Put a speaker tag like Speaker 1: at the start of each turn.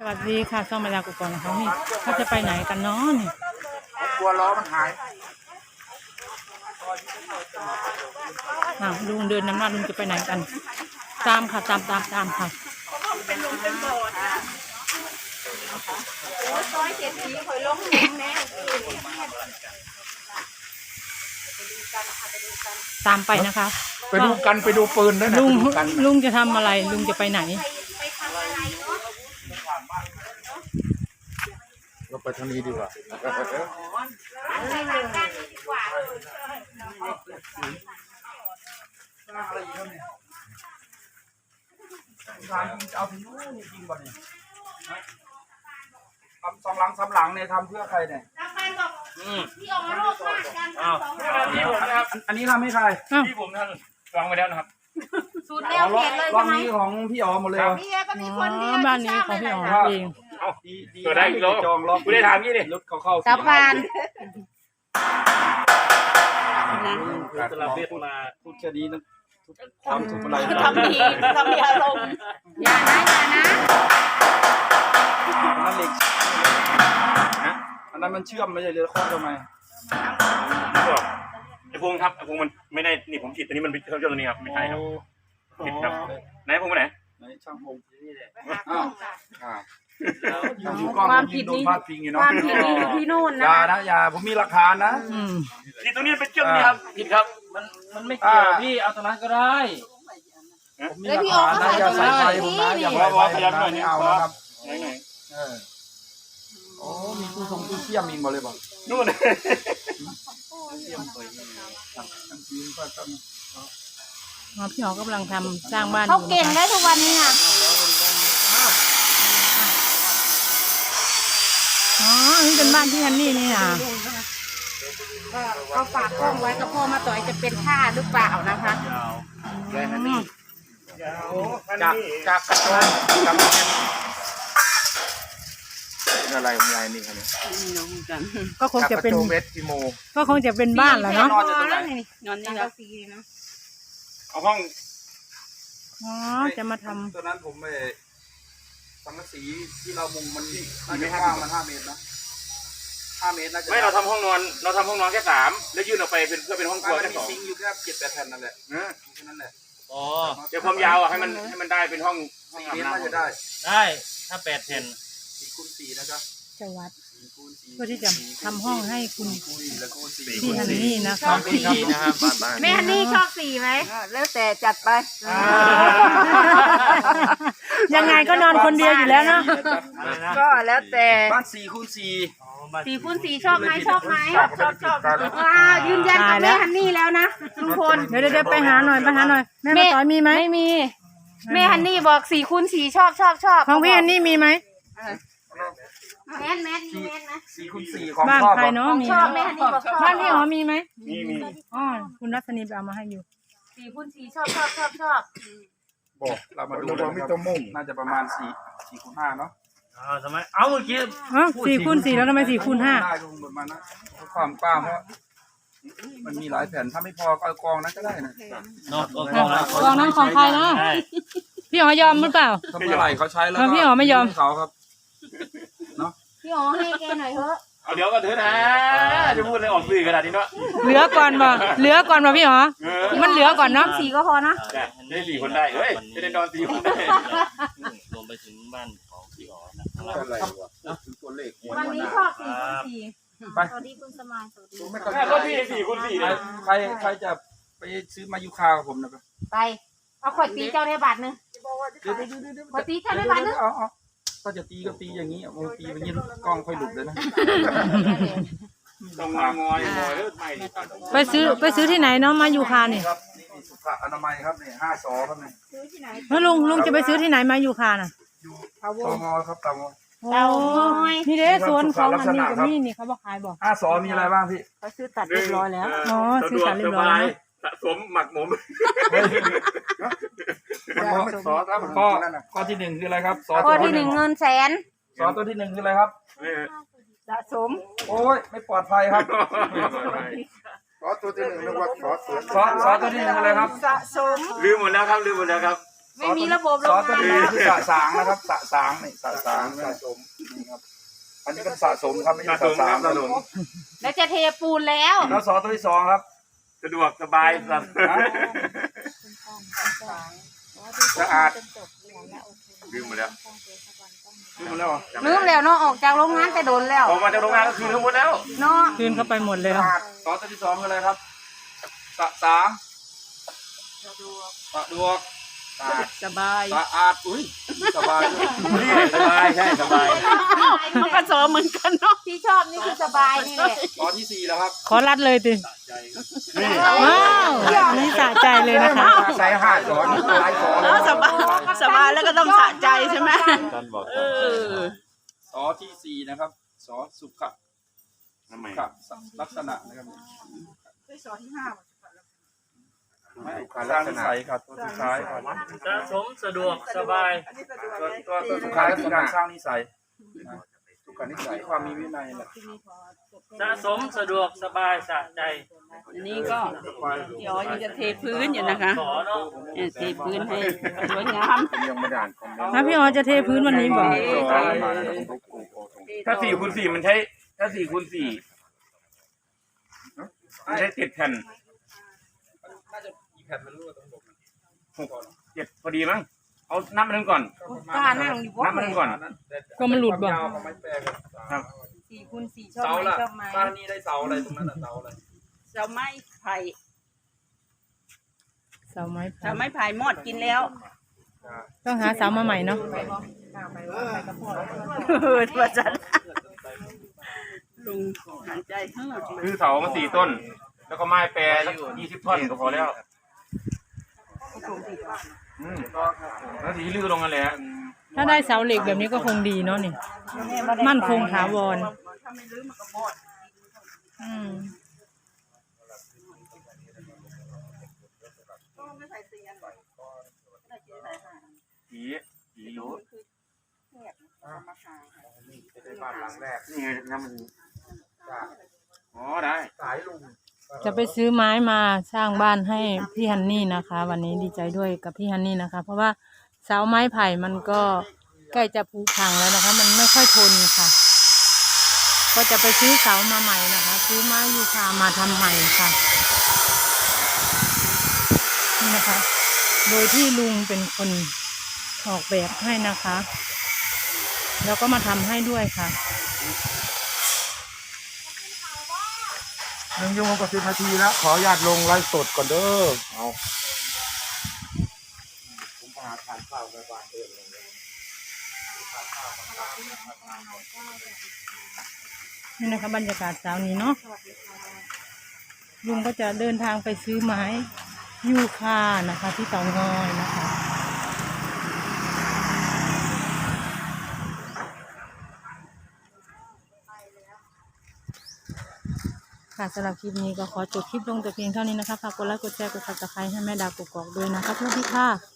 Speaker 1: วัสดีค่ะช่องมาดากุกรนะคะนี่เขาจะไปไหนกันเนาะนี่
Speaker 2: กลัวล้อมันหาย
Speaker 1: ลุงเดินน้ำหน้าลุงจะไปไหนกันตามค่ะตามค่ะ
Speaker 3: เป็นลมเป็นบ่อนะโอ้ยซอยเจ็ดสีคอยลงแหงแน่
Speaker 1: ตามไปนะคะ
Speaker 2: ไปดูกันไปดูปืนด้วยนะ
Speaker 1: ลุงจะทำอะไรลุงจะไปไหน
Speaker 2: เราไปทางนี้ดีกว่าเอาถึงนู้นจริงป่ะเนี่ยทำสำหลังเนี่ยทำเพื่อใครเนี่ย
Speaker 3: พี่ออกมาโลกมากกัน
Speaker 2: อันนี้ทำให้ใคร
Speaker 4: ที่ผมท่านวางไว้แล้วนะครับ
Speaker 3: สูตรแนวเขียนเลยใช่ไหม
Speaker 2: นี้ของพี่อ๋อหมดเลย
Speaker 3: นี่ก็มีคนเดียว
Speaker 1: บ้านนี้ของพี่อ๋อเอง
Speaker 4: เกิดได้อีกแล้ว
Speaker 2: จองล็อก
Speaker 4: กูได้ถามยี่ดิ
Speaker 2: รถเขาเข้า
Speaker 3: สะพาน
Speaker 4: ตลาดเวทมา
Speaker 2: พูดแค่นี้นะทำถูกอะไร
Speaker 3: ทำดีอารมณ์อย่านะ
Speaker 2: นั่นเหล็กอันนั้นมันเชื่อมไม่ใช่เรือข้อทำไม
Speaker 4: ไอ้พงครับไอ้พงมันไม่ได้นี่ผมผิดตัวนี้มันเป็นเครื่องยนต์ตัวนี้ครับไม่ใช่ครับผิดครับไหนพงไปไหน
Speaker 2: ช่างพงที่นี่แหละ
Speaker 3: ความผิดนี้อยู่ที่นู่นนะ
Speaker 2: อย่าผมมีหลักฐานนะ
Speaker 4: นี่ตัวนี้เป็นเครื่องนี้ครับผิดครับ
Speaker 2: มันไม่เกี่ยวพี่เอาตรงนั้นก็ได้
Speaker 3: แล้วพี่ออกก็ใส่ตรงนั้น
Speaker 2: นี่อย่าว่าพยัญชนะไม่เอานะครับโอ้มีตู้ทรงตู้เชี่ยมมีหมดเลยบอก
Speaker 4: นู่น
Speaker 1: พี่อ๋อกำลังทำสร้างบ้าน
Speaker 3: เขาเก่งได้ทุกวันนี้อ่ะ
Speaker 1: นี่เป็นบ้านที่ฮันนี่นี่นะ
Speaker 3: เขาฝากกล้องไว้กับพ่อมาต่อยจะเป็นท่าหรือเปล่านะคะ
Speaker 2: จากกระโจนกับอะไรของยายนี่ครับ
Speaker 1: ก็คงจะเป็น
Speaker 2: เวทพิโม
Speaker 1: ก็คงจะเป็นบ้านแหละเนาะ
Speaker 3: นอนนี่แล้วสีนะ
Speaker 4: เอาห้อง
Speaker 1: จะมาทำ
Speaker 2: ตัวนั้นผมไปสังกะสีที่เรามุงมันน่าจะกว้างมัน5 เมตรนะ5 เมตรน่าจะ
Speaker 4: ไม่เราทำห้องนอนแค่3แล้วยื่นออกไปเป็นเพื่อเป็นห้องครัวแค่2
Speaker 2: ซิงอยู่แค่7-8 แผ่นนั่นแหละแค่นั้นแหละ
Speaker 4: เดี๋ยวความยาวให้มันได้เป็นห้อง
Speaker 2: 4 เมตรน่าจะได้
Speaker 4: ถ้า8 แผ่น
Speaker 2: 4 คูณ 4นะครับ
Speaker 1: จะวัดเพื่อที่จะทำห้องให้คุณพี่ฮันนี่นะคะ
Speaker 3: แม่ฮันนี่ชอบสีไหมแล้วแต่จัดไป
Speaker 1: ยังไงก็นอนคนเดียวอยู่แล้วเนาะ
Speaker 3: ก็แล้วแต่
Speaker 2: บ้าน4 คูณ 4
Speaker 3: 4 คูณ 4ชอบไหมชอบยืนยันกับแม่ฮันนี่แล้วนะลุงพล
Speaker 1: เดี๋ยวไปหาหน่อยแม่มาต่อยมีไหม
Speaker 3: ไม่มีแม่ฮันนี่บอก4 คูณ 4ชอบ
Speaker 1: ของพี่ฮันนี่มีไหม
Speaker 3: แมทนะ
Speaker 2: 4 คูณ 4ของ
Speaker 1: บ้านใครเนาะมี
Speaker 3: ชอบแม่ฮันนี่บอกชอบ
Speaker 1: บ้านพี่อ๋อมีไหม
Speaker 4: มี
Speaker 1: คุณรัตนีไปเอามาให้อยู่
Speaker 3: 4 คูณ 4ชอบ
Speaker 2: บอกเรามาดูน่าจะประมาณ4 คูณ 5เนาะ
Speaker 4: ทำไมเอาเมื่อกี้
Speaker 1: 4 คูณ 4แล้วทำไม4 คูณ 5
Speaker 2: ได้ลงประมาณนั้นความกว้างเพราะมันมีหลายแผ่นถ้าไม่พอก็กองนั้นก็ได้นะ
Speaker 1: กองนั้นของใครนะพี่อ๋อยอมหรือเปล่า
Speaker 2: ถ้าเมื่อไหร่เขาใช้แล้ว
Speaker 1: พี่อ๋อไม่ยอม
Speaker 2: เขาครับเนาะ
Speaker 3: พี่อ๋อให้แกหน่อยเถอะ
Speaker 4: เอาเดี๋ยวก็เถอะนะจะพูดอะไรออกสื่อขนาดนี้เนาะ
Speaker 1: เหลือก่อนบ่พี่อ๋อมันเหลือก่อนเนาะ
Speaker 3: 4ก็พอนะ
Speaker 4: ได้4 คนได้เฮ้ยจะได้นอน4 คนได้
Speaker 5: รวมไปถึงบ้านของพี่อ๋อนะ
Speaker 3: วันนี้ชอบ4 คูณ 4สวัสดีคุณสมายสวัสดี
Speaker 4: ก็พี่4 คูณ 4เลย
Speaker 2: ใครจะไปซื้อมายูคากับผมนะ
Speaker 3: ไปเอาขวดตีเจ้าได้บาทนึงขวดตีเจ้าได้บาทนึง
Speaker 2: ก็จะตีก็ตีอย่างนี้บางตีอย่างนี้กล้องค่อยหลุดเลยนะ
Speaker 4: ต้องงอย
Speaker 1: ไปซื้อที่ไหนเนาะมายูคาเนี่ย
Speaker 2: สุขอนามัยครับเนี่ย5 ศอครับเนี่ย
Speaker 3: ซื้อที่ไหน
Speaker 1: แล้วลุงจะไปซื้อที่ไหนมายูคาน่ะ
Speaker 2: อยู่เตางอยครับเตาง
Speaker 1: อยนี่เด้สวนของอันนี้กับนี่เขาบอกขายบอก
Speaker 2: 5 ศอมีอะไรบ้างพี่
Speaker 3: เขาซื้อตัดเรียบร้อยแล้ว
Speaker 1: ซื้อตัดเรียบร้อย
Speaker 4: สะสมหมักหมม
Speaker 2: ข้อที่ 1คืออะไรครับ
Speaker 3: ข้อที่ 1เงินแสน
Speaker 2: ตัวที่ 1คืออะไรครับ
Speaker 3: สะสม
Speaker 2: โอ้ยไม่ปลอดภัยครับตัวที่ 1นึกว่าตัวที่ 1อะไรครับ
Speaker 3: สะสม
Speaker 4: ลืมหมดแล้วครับ
Speaker 3: ไม่มีระบบล
Speaker 2: ซอง สตัว
Speaker 3: มา
Speaker 2: นี้
Speaker 3: แล้ว
Speaker 2: คือสะสางนะครับสะสางนี่สะสางสะสมนี่ครับอันนี้เป็นสะสมครับไม่ใช่สะสาง
Speaker 3: แล้วจะเทปูนแล้ว
Speaker 2: แล้วซอสตัวที่สองครับ
Speaker 4: สะดวกสบายครับ
Speaker 2: สะอาด
Speaker 4: ลืมหมดแล้ว
Speaker 2: ลืมแล้วเหรอ
Speaker 3: ลืมแล้วเนาะออกจากโรงงานแต่โดนแล้ว
Speaker 4: ออกมาจากโรงงานก็คือทั้งหมดแล้ว
Speaker 3: เนาะ
Speaker 1: คืนเข้าไปหมดเลย
Speaker 2: สะอาดซอสตัวที่สองคืออะไรครับสะสางสะดวกสะอาด
Speaker 1: สบาย
Speaker 2: สะอาดอุ้ยสบายด้วย
Speaker 4: สบายใช่สบาย
Speaker 3: มันก็สมเหมือนกันเนาะที่ชอบนี่คือสบายนี่แหละ
Speaker 2: ซอสที่สี่แล้วครับ
Speaker 1: ขอรัดเลยติ
Speaker 4: นี่
Speaker 1: ว้าวอันนี้สะใจเลยนะคะ
Speaker 2: ใส่ห้าช้อนหลายช้อน
Speaker 3: สบายแล้วก็ต้องสะใจใช่ไหม
Speaker 5: ท่านบอก
Speaker 2: ซอสที่สี่นะครับซอสสุขะ
Speaker 4: ทำไม
Speaker 2: สุขะลักษณะนะครับไม่การลักษณะครับตัวสุดท้ายครับ
Speaker 5: สะสมสะดวกสบาย
Speaker 2: ตัวสุดท้ายคือการสร้างนิสัยสุขนิสัยความมีวินัยแหละ
Speaker 5: สะสมสะดวกสบายสะใจ
Speaker 6: อันนี้ก็เดี๋ยวยังจะเทพื้นอยู่นะคะ
Speaker 5: ขอเนาะ
Speaker 6: เทพื้นให้สวยงาม
Speaker 2: ยังไม่ได้อ่านคอมเมนต์
Speaker 1: ถ้าพี่อ๋อจะเทพื้นวันนี้บอก
Speaker 4: ถ้า4x4มันใช้ถ้า4x4มันใช้7 แผ่น
Speaker 2: น่าจะกี่แผ่นไม่รู้ต้องบอก
Speaker 4: 7พอดีมั้งเอานับมันก่อน
Speaker 3: กล้านั่งอยู่
Speaker 4: นับมันก่อน
Speaker 1: ก็มันหลุดบอก
Speaker 2: ยาวของไม้แปรกัน
Speaker 4: ครับ
Speaker 3: 4x4ชอบ
Speaker 2: เสา
Speaker 3: ไหม
Speaker 2: ละ
Speaker 3: ชอบไหม
Speaker 2: บ้านนี้ได้เสาอะไรตรงนั้นเสาอะไร
Speaker 6: เสาไม้ไผ่
Speaker 1: เสาไม้
Speaker 6: เสาไม้ไผ่มอดกินแล้ว
Speaker 1: ต้องหาเสามาใหม่เนาะ
Speaker 6: ว่าจันลุงหันใจเฮ้อ
Speaker 4: คือเสามา4 ต้น แล้วก็ไม้แปรสัก20 ท่อนก็พอแล้วแล้วทีลื้อลงกันเลยฮะ
Speaker 1: ถ้าได้เสาเหล็กแบบนี้ก็คงดีเนาะนี่มั่นคงถาวรอืม
Speaker 4: ผีรู้
Speaker 2: เป็นบ้านหลังแรก
Speaker 4: นี่ไงน้ำมันอ๋อได้
Speaker 2: สายลุง
Speaker 1: จะไปซื้อไม้มาสร้างบ้านให้พี่ฮันนี่นะคะ วันนี้ดีใจด้วยกับพี่ฮันนี่นะคะ เพราะว่าเสาไม้ไผ่มันก็ใกล้จะผุพังแล้วนะคะ มันไม่ค่อยทนค่ะ ก็จะไปซื้อเสามาใหม่นะคะ ซื้อไม้ยูคามาทำใหม่ค่ะนี่นะคะ โดยที่ลุงเป็นคนออกแบบให้นะคะ แล้วก็มาทำให้ด้วยค่ะ
Speaker 2: 1 ชั่วโมงกับ10 นาทีแล้วขออนุญาตลงไลฟ์สดก่อนเด้อเอาผมหาทานข้าวในบ้านเองเลย
Speaker 1: นี่นะคะบรรยากาศเช้านี้เนาะลุงก็จะเดินทางไปซื้อไม้ยูคานะคะ ที่เตางอยนะคะค่ะสำหรับคลิปนี้ก็ขอจบคลิปลงแต่เพียงเท่านี้นะคะฝากกดไลค์กดแชร์กดซับสไครต์ให้แม่ดาวกกอกด้วยนะคะสวัสดีค่ะ